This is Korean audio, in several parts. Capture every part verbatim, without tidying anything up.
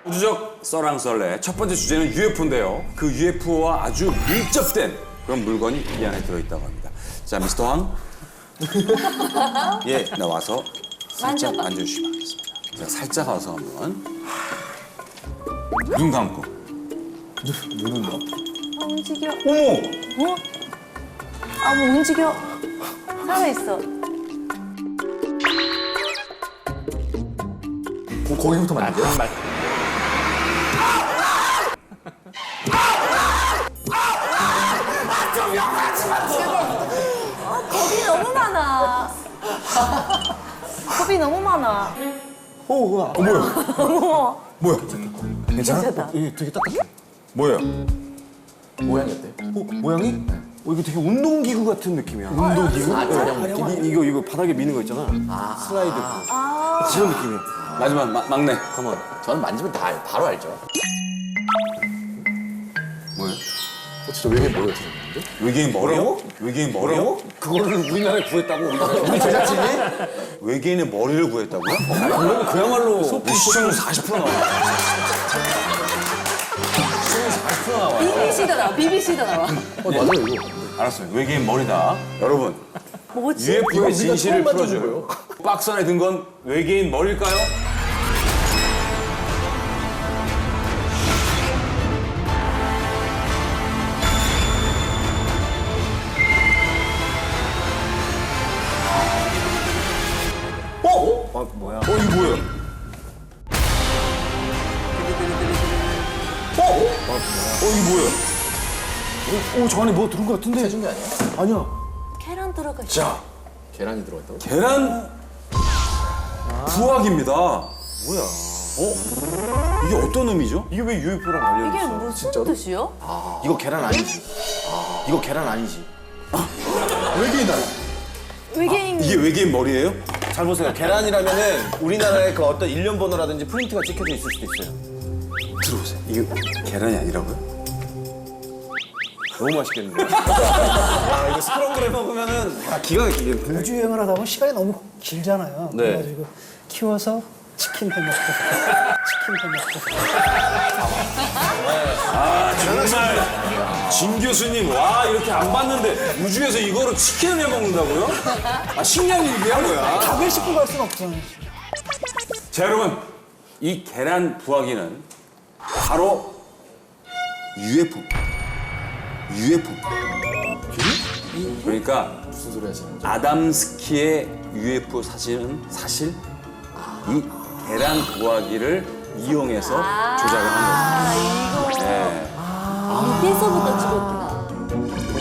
우주적 썰랑썰레 첫 번째 주제는 유에프오인데요. 그 유에프오와 아주 밀접된 그런 물건이 이 안에 들어있다고 합니다. 자, 미스터 황. 예, 나와서 살짝 만져봐. 만져주시면 하겠습니다. 자, 살짝 와서 한번 눈 감고. 눈은 뭐? 아, 움직여. 어머! 어? 아, 뭐 움직여. 살아있어. 거, 거기부터 만져? 겁이 너무 많아. 겁이 너무 많아. 어, 우와. 어, 뭐야? 어머. 뭐야? 괜찮아? 괜찮다. 어, 이게 되게 딱딱해. 뭐예요? 모양이 어때? 어, 모양이? 어, 이거 되게 운동기구 같은 느낌이야. 운동기구? 아, 촬영 네. 이, 이거, 이거 바닥에 미는 거 있잖아. 슬라이드. 아. 그런 느낌이야. 마지막 마, 막내. 가만. 저는 만지면 다 알- 바로 알죠. 뭐예요? 어, 진짜 왜 이게 뭐야, 진짜? 외계인 머리요? 외계인 머리요? 그거를 우리나라에 구했다고, 우리나라에. 우리 제작진이? 외계인의 머리를 구했다고요? 그러면 그야말로. 시청률 사십 퍼센트 나와요. 시청률 사십 퍼센트 나와요. 비비씨도 나와. 비비씨도 나와. 어, 맞아요, 이거. 알았어요. 외계인 머리다. 여러분, 뭐지? 유에프오의 진실을 처음 만져본 풀어줘요. 박스 안에 든 건 외계인 머리일까요? 어? 아, 뭐야. 어, 이거 뭐예요? 어? 어, 이거 뭐예요? 어, 저 안에 뭐 들은 거 같은데? 해준 게 아니야? 아니야. 계란 들어가 있어. 자, 계란이 들어갔다고? 계란 부화기입니다. 뭐야. 어? 이게 어떤 의미죠? 이게 왜 유에프오랑 이게 관련이 있어? 무슨 뜻이요? 이거 계란 아니지. 이거 계란 아니지. 외계인 아니 외계인. 이게 외계인 머리예요? 잘 보세요. 계란이라면은 우리나라의 그 어떤 일련 번호라든지 프린트가 찍혀져 있을 수도 있어요. 들어보세요. 이게 계란이 아니라고요? 너무 맛있겠는데. 아, 이거 스크럼블 먹으면은 아, 기가 막히게. 우주 여행을 하다 보면 시간이 너무 길잖아요. 네. 그래가지고 키워서 치킨 해 먹고 치킨 해 먹고 아 정말 진 교수님 와 이렇게 안 봤는데 우주에서 이거로 치킨을 해 먹는다고요? 아 식량 일이야 뭐야? 밥을 씹고 갈 수는 없잖아요. 자 여러분 이 계란 부화기는 바로 유에프오. 유에프오. 그러니까 무슨 소리 하시는 거죠? 아담스키의 유에프오 사진은 사실 이 계란 부화기를 이용해서 조작을 한 아, 이거. 거예요. 네. 아, 밑에서부터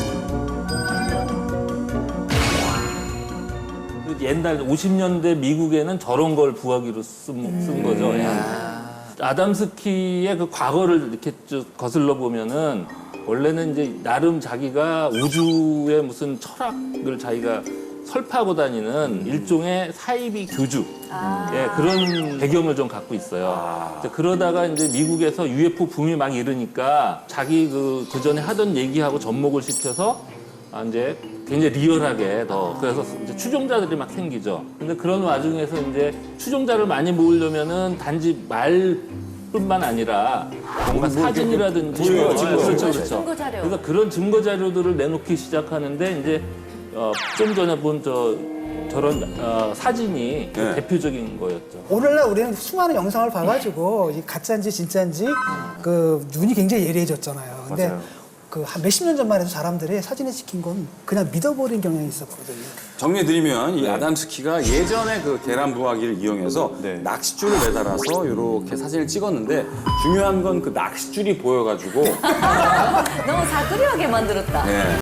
찍었구나. 그 옛날 오십 년대 미국에는 저런 걸 부화기로 쓴, 쓴 거죠. 예. 아담스키의 그 과거를 이렇게 쭉 거슬러 보면은 원래는 이제 나름 자기가 우주의 무슨 철학을 자기가 설파하고 다니는 일종의 사이비 교주 예, 그런 배경을 좀 갖고 있어요. 이제 그러다가 이제 미국에서 유에프오 붐이 막 이르니까 자기 그, 그 전에 하던 얘기하고 접목을 시켜서 아, 이제 굉장히 리얼하게 더 그래서 이제 추종자들이 막 생기죠. 근데 그런 와중에서 이제 추종자를 많이 모으려면은 단지 말뿐만 아니라 뭔가 사진이라든지 증거, 어, 증거. 그렇죠, 그렇죠. 증거 자료. 그러니까 그런 증거 자료들을 내놓기 시작하는데 이제 어, 좀 전에 본 저 저런 어, 사진이 그 네. 대표적인 거였죠. 오늘날 우리는 수많은 영상을 봐가지고 이 가짜인지 진짜인지 그 눈이 굉장히 예리해졌잖아요. 근데 맞아요. 그 한 몇십 년 전만 해도 사람들이 사진에 찍힌 건 그냥 믿어버린 경향이 있었거든요. 정리해드리면 이 아담스키가 예전에 그 계란 부화기를 이용해서 네. 낚싯줄을 매달아서 이렇게 사진을 찍었는데 중요한 건 그 낚싯줄이 보여가지고 너무 사그리하게 만들었다. 네.